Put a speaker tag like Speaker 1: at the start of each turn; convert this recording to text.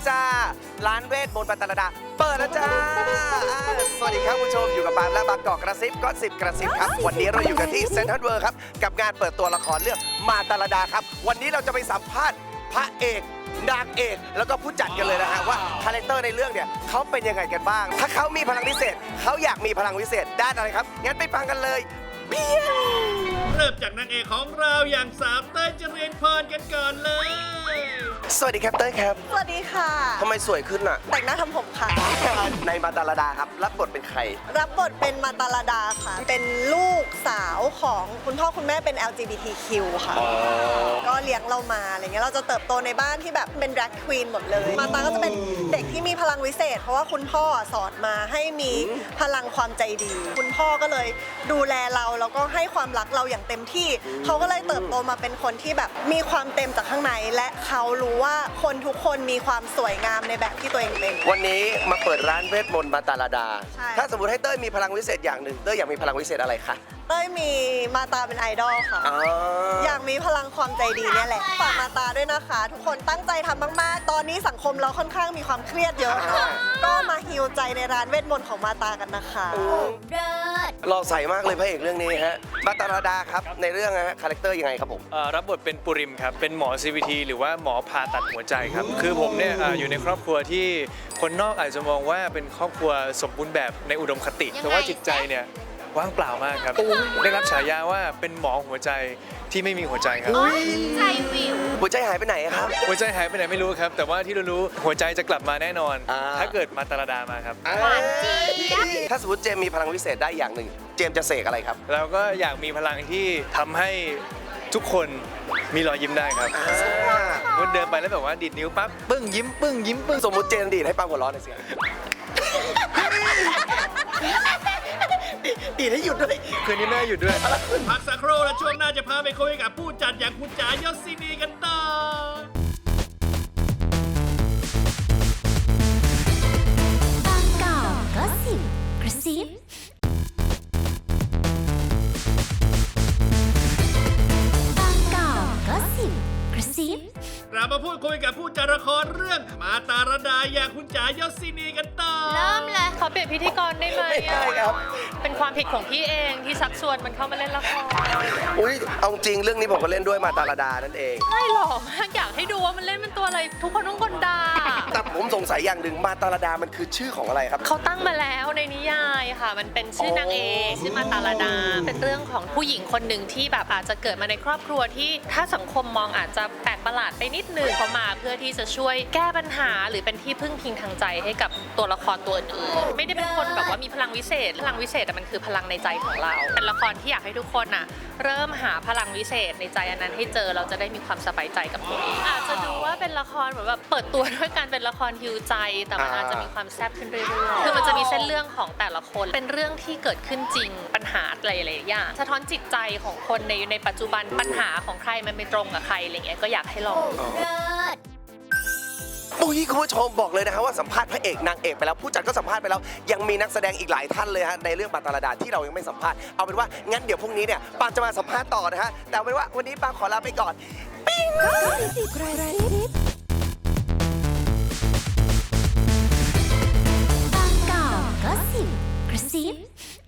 Speaker 1: จ้าร้านเวทมนต์ปาตาลดาเปิดแล้วจ้าสวัสดีครับผู้ชมอยู่กับปาล์มและบางกอกกระซิบก็10กระซิบครับวันนี้เราอยู่กันที่เซ็นทรัลเวิลด์ครับกับงานเปิดตัวละครเรื่องมาตาลดาครับวันนี้เราจะไปสัมภาษณ์พระเอกนางเอกแล้วก็ผู้จัดกันเลยนะฮะว่าคาแรคเตอร์ในเรื่องเนี่ยเขาเป็นยังไงกันบ้างถ้าเขามีพลังพิเศษเขาอยากมีพลังพิเศษด้านอะไรครับงั้นไปฟังกันเลย
Speaker 2: เริ่มจากนางเอกของเราอย่างสาวเต้ยเจริญพรกันก่อนเลย
Speaker 1: สวัสดีครับเต้ยครับ
Speaker 3: สวัสดีค่ะ
Speaker 1: ทำไมสวยขึ้นอ่ะ
Speaker 3: แต่งหน้าทำผมค่ะ
Speaker 1: ในมาตาลดาครับรับบทเป็นใคร
Speaker 3: รับบทเป็นมาตาลดาค่ะเป็นลูกสาวของคุณพ่อคุณแม่เป็น LGBTQ ค่ะก็เลี้ยงเรามาอะไรเงี้ยเราจะเติบโตในบ้านที่แบบเป็น drag queen หมดเลยมาตาก็จะเป็นเด็กที่มีพลังวิเศษเพราะว่าคุณพ่อสอนมาให้มีพลังความใจดีคุณพ่อก็เลยดูแลเราแล้วก็ให้ความรักเราอย่างเต็มที่เขาก็เลยเติบโตมาเป็นคนที่แบบมีความเต็มจากข้างในและเขารู้ว่าคนทุกคนมีความสวยงามในแบบที่ตัวเองเป็น
Speaker 1: วันนี้มาเปิดร้านเวทมนต์มาตาลดาถ้าสมมติให้เต้ยมีพลังวิเศษอย่างหนึ่งเต้ยอยากมีพลังวิเศษอะไรคะ
Speaker 3: เต้ยมีมาตาเป็นไอดอลค่ะอยากมีพลังความใจดีเนี่ยแหละฝากมาตาด้วยนะคะทุกคนตั้งใจทำมากๆตอนนี้สังคมเราค่อนข้างมีความเครียดเยอะก็มาฮีลใจในร้านเวทมนต์ของมาตากันนะคะ
Speaker 1: รอใส่มากเลยพระเอกเรื่องนี้ฮะมาตาลดาครับในเรื่องฮะคาแรคเตอร์ยังไงครับผม
Speaker 4: รับบทเป็นปุริมครับเป็นหมอ CVT หรือว่าหมอผ่าตัดหัวใจครับคือผมเนี่ยอยู่ในครอบครัวที่คนนอกอาจจะมองว่าเป็นครอบครัวสมบูรณ์แบบในอุดมคติแต่ว่าจิตใจเนี่ยว่างเปล่ามากครับได้รับฉายาว่าเป็นหมอหัวใจที่ไม่มีหัวใจครับ
Speaker 1: ใจวิวหัวใจหายไปไหนครับ
Speaker 4: หัวใจหายไปไหนไม่รู้ครับแต่ว่าที่รู้หัวใจจะกลับมาแน่นอนถ้าเกิดมาตาลดามาครับ
Speaker 1: ถ้าสมมติเจมมีพลังวิเศษได้อย่างหนึ่งเจมจะเสกอะไรครับ
Speaker 4: เราก็อยากมีพลังที่ทำให้ทุกคนมีรอยยิ้มได้ครับวันเดินไปแล้วแบบว่าดีดนิ้วปั๊บปึ้งยิ้มปึ้งยิ้มปึ้ง
Speaker 1: สมมติเจมดีดให้ปังหัวร้อนหน่อยสิดีดให้หยุดด้วย
Speaker 4: คืนนี้แม่หยุดด้วย
Speaker 2: พักสักครู่แล้วช่วงหน้าจะพาไปคุยกับผู้จัดอย่างคุณจ๋ายศินีกันต่อบางกอกก็สิบกระซิบางกอกก็สิบกระซิบเรามาพูดคุยกับผู้จัดละครเรื่องมาตาลดาอย่างคุณจ๋ายศินีกันต่อ
Speaker 5: เริ่มเลยขอเปลี่ยนพิธีกรได้ไหม
Speaker 1: ไม่ได้ครับ
Speaker 5: เป็นความผิดของพี่เองที่ชักชวนมันเข้ามาเล่นละคร
Speaker 1: อุ้ยเอาจริงเรื่องนี้ผมก็เล่นด้วยมาตาลดานั่นเอง
Speaker 5: ไม่หรอกอยากให้ดูว่ามันเล่นเป็นตัวอะไรทุกคนต้องกลด่า
Speaker 1: แต่ผมสงสัยอย่างหนึ่งมาตาลดามันคือชื่อของอะไรครับ
Speaker 5: เขาตั้งมาแล้วในนิยายค่ะมันเป็นชื่อนางเอกชื่อมาตาลดาเป็นเรื่องของผู้หญิงคนหนึ่งที่แบบอาจจะเกิดมาในครอบครัวที่ถ้าสังคมมองอาจจะแปลกประหลาดไปนิดนึงเขามาเพื่อที่จะช่วยแก้ปัญหาหรือเป็นที่พึ่งพิงทางใจให้กับตัวละครตัวอื่นไม่ได้เป็นคนแบบว่ามีพลังวิเศษพลังวิเศษแต่มันคือพลังในใจของเราเป็นละครที่อยากให้ทุกคนน่ะเริ่มหาพลังวิเศษในใจอันนั้นให้เจอเราจะได้มีความสบายใจกับตัวเองอาจจะดูว่าเป็นละครเหมือนแบบเปิดตัวด้วยการเป็นละครฮิวใจแต่มันอาจจะมีความแซ่บขึ้นเรื่อยๆคือมันจะมีเส้นเรื่องของแต่ละคนเป็นเรื่องที่เกิดขึ้นจริงปัญหาหลายๆอย่างสะท้อนจิตใจของคนในปัจจุบันปัญหาของใครมันไม่ตรงกับใครอะไรเงี้ยก็อยากให้ลอง
Speaker 1: อุ้ยคุณผู้ชมบอกเลยนะฮะว่าสัมภาษณ์พระเอกนางเอกไปแล้วผู้จัดก็สัมภาษณ์ไปแล้วยังมีนักแสดงอีกหลายท่านเลยฮะในเรื่องมาตาลดาที่เรายังไม่สัมภาษณ์เอาเป็นว่างั้นเดี๋ยวพรุ่งนี้เนี่ยปางจะมาสัมภาษณ์ต่อนะฮะแต่เอาเป็นว่าวันนี้ปางขอลาไปก่อนปิ๊ง
Speaker 6: บางกอกก็สิบกระซิบ